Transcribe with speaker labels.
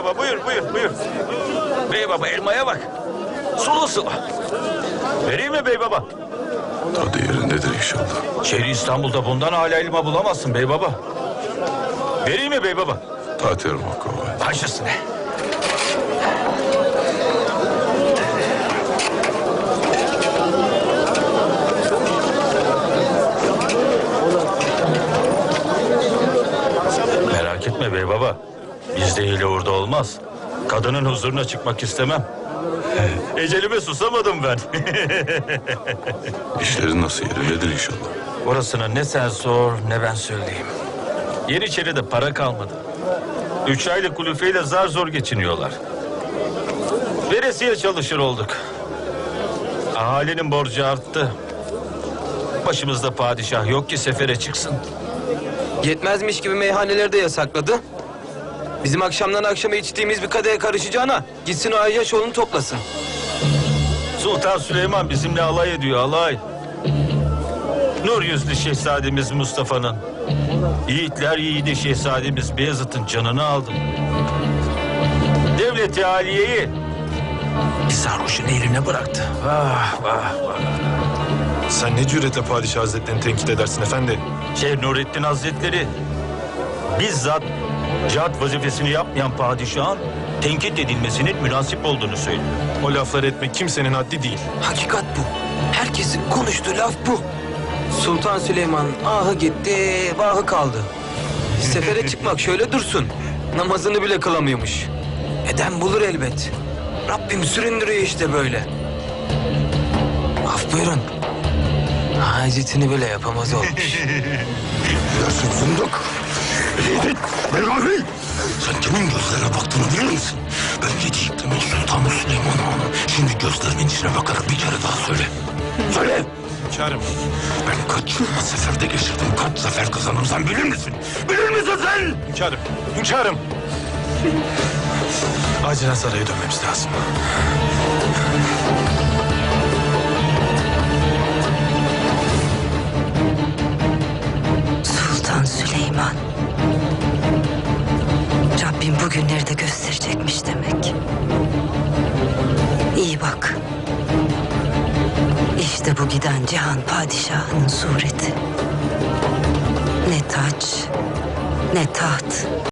Speaker 1: baba, buyur. Bey baba, elmaya bak. Sulu sulu. Vereyim mi bey baba?
Speaker 2: Tadı yerindedir inşallah.
Speaker 1: Şehri İstanbul'da bundan hala elma bulamazsın bey baba. Vereyim mi bey baba?
Speaker 2: Tatil Mokkova.
Speaker 1: Baş üstüne. Merak etme bey baba. Bizde hile orada olmaz. Kadının huzuruna çıkmak istemem. Ecelime susamadım ben.
Speaker 2: İşlerin nasıl yerindedir inşallah.
Speaker 1: Orasını ne sen sor ne ben söyleyeyim. Yeniçeri'de para kalmadı. 3 aylık kulüfeyle zar zor geçiniyorlar. Veresiye çalışır olduk. Ahalinin borcu arttı. Başımızda padişah yok ki sefere çıksın.
Speaker 3: Yetmezmiş gibi meyhaneleri de yasakladı. Bizim akşamdan akşama içtiğimiz bir kadeye karışacağına gitsin o Ayyaşoğlu'nu toplasın.
Speaker 1: Sultan Süleyman bizimle alay ediyor, alay. Nur yüzlü şehzademiz Mustafa'nın, yiğitler yiğidi şehzademiz Beyazıt'ın canını aldı. Devlet-i Aliye'yi bir sarhoşun eline bıraktı. Vah vah vah.
Speaker 4: Sen ne cüretle padişah hazretlerini tenkit edersin efendi?
Speaker 1: Şeyh Nurettin Hazretleri bizzat cihat vazifesini yapmayan padişahın tenkit edilmesinin münasip olduğunu söylüyor.
Speaker 4: O lafları etmek kimsenin haddi değil.
Speaker 3: Hakikat bu. Herkesin konuştuğu laf bu. Sultan Süleyman ahı gitti, vahı kaldı. Sefere çıkmak şöyle dursun. Namazını bile kılamıyormuş. Eden bulur elbet. Rabbim süründürüyor işte böyle. Af buyurun. Hacetini bile yapamaz olmuş.
Speaker 2: Yasin fındık. Yiğit, Belgavi. Sen kimin gözlerine baktığını bilir misin? Ben 7 yıktımın Sultanı Süleyman Hanım. Şimdi gözlerimin içine bakarak bir kere daha söyle. Söyle.
Speaker 4: Hünkârım.
Speaker 2: Ben kaç yıl seferde geçirdim, kaç sefer kazandım sen bilir misin? Bilir misin sen?
Speaker 4: Hünkârım. Hünkârım. Acilen saraya dönmemiz lazım.
Speaker 5: Sultan Süleyman. Rabbim bugünleri de gösterecekmiş demek. İyi bak. İşte bu giden cihan padişahının sureti. Ne taç, ne taht,